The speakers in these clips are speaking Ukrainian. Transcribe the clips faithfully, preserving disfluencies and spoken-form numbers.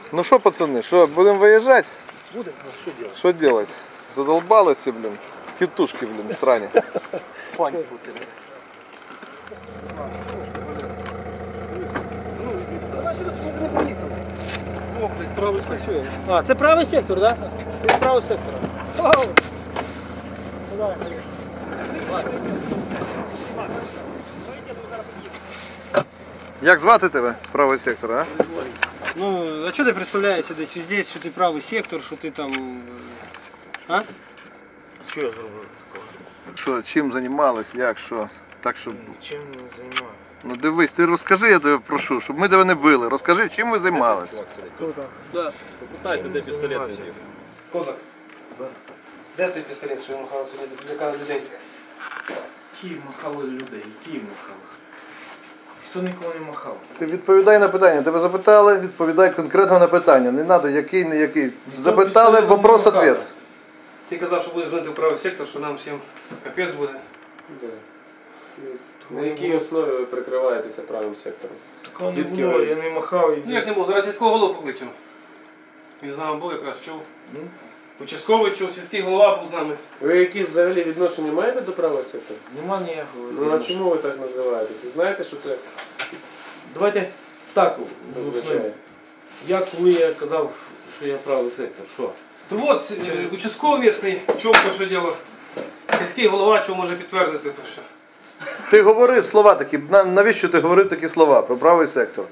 Ну что, пацаны, что, будем выезжать? Будем, ну что делать? Что делать? Задолбал эти, блин, тетушки, блин, срань. Фань. А, це правий сектор, так? Да? Це правий сектор. Вау! Давай, Як звати тебе з правого сектора, а? ну, а що ти представляєшся десь везде, що ти правий сектор, що ти там... А? Що я зробив такого? Що, чим займались, як, що? Так, щоб... Чим не займаюся? Ну дивись, ти розкажи, я тебе прошу, щоб ми тебе не били. Розкажи, чим ви займались? Да. Попитайте, де пістолет висів. Козак, де той пістолет, що він махав сьогодні для людей? Які махали людей? Які махали? Хто нікого не махав? Ти відповідай на питання. Тебе запитали, відповідай конкретно на питання. Не треба який, не який. Запитали, вопрос-ответ. Ти казав, що буде дзвонити в правий сектор, що нам всім капець буде. На якій основі ви прикриваєтеся правим сектором? Такого не Звідки було, ви? я не махав і... Ну як не було, зараз сільського голову покличемо. Він з нами був, якраз чув. Участковий чув, сільський голова був з нами. Ви якісь взагалі відношення маєте до правого сектору? Нема ніякого. Ну а чому ви так називаєтесь? Ви знаєте, що це Давайте так, означає? я коли я казав, що я правий сектор, що? То от, е, участковий місний, чув це все діло. Сільський голова, чув може підтвердити це все. Ти говорив слова такі, на- навіщо ти говорив такі слова про правий сектор?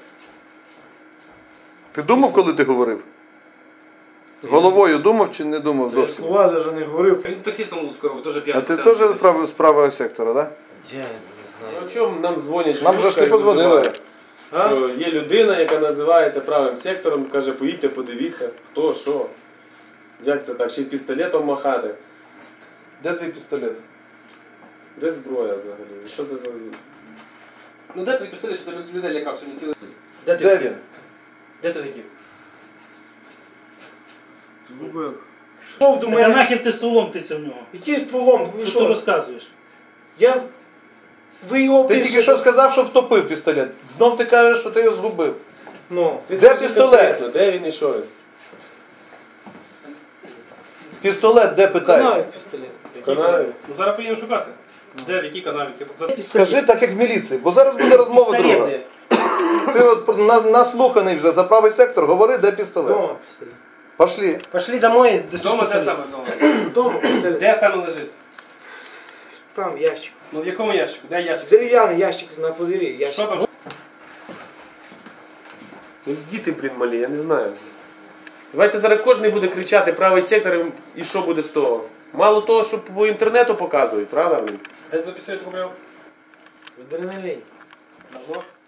Ти думав, коли ти говорив? Головою думав чи не думав Я зовсім? слова навіть не говорив. Він таксистом Луцького робить, теж А п'яний. ти теж прав- з правого сектора, так? Я не Ну, знаю. а чому нам дзвонять? Нам же ж не подзвонили. Що є людина, яка називається правим сектором, каже, поїдьте, подивіться, хто, що. Як це так? Ще й пістолетом махати. Де твій пістолет? Де зброя взагалі? Що це за... Ну де твій пістолет, що ти людей лякав сьогодні цілий день? Де він? Де ти хотів? Згубив. Що до Та мене? нахер ти стволом тиця в нього? Який стволом? Ви Що ти що? розказуєш? Я... Ви його Ти тільки що сказав, що втопив пістолет. Знов ти кажеш, що ти його згубив. Ну. Ти Де скажи пістолет? конкретно, де він і що він? Пістолет де питають? Канає пістолет. В канаві? Ну зараз поїдемо шукати. Де, в якій канаві? Ти Скажи так, як в міліції, бо зараз буде розмова друга. Ти от на- наслуханий вже за правий сектор, говори, де пістолет. Дома пістолет. Пошли. Пошли домой, до Дома де саме вдома? Дома пістолет. Де саме лежить? Там ящик. Ну в якому ящику? Де ящик? Дерев'яний ящик на подвір'ї. Що Ящик. там? Ну, діти, блін, малі, я не знаю. Давайте зараз кожен буде кричати правий сектор, і що буде з того? Мало того, що по інтернету показують, правда, блін? Де ти пістолет купив? Адреналін. Давно?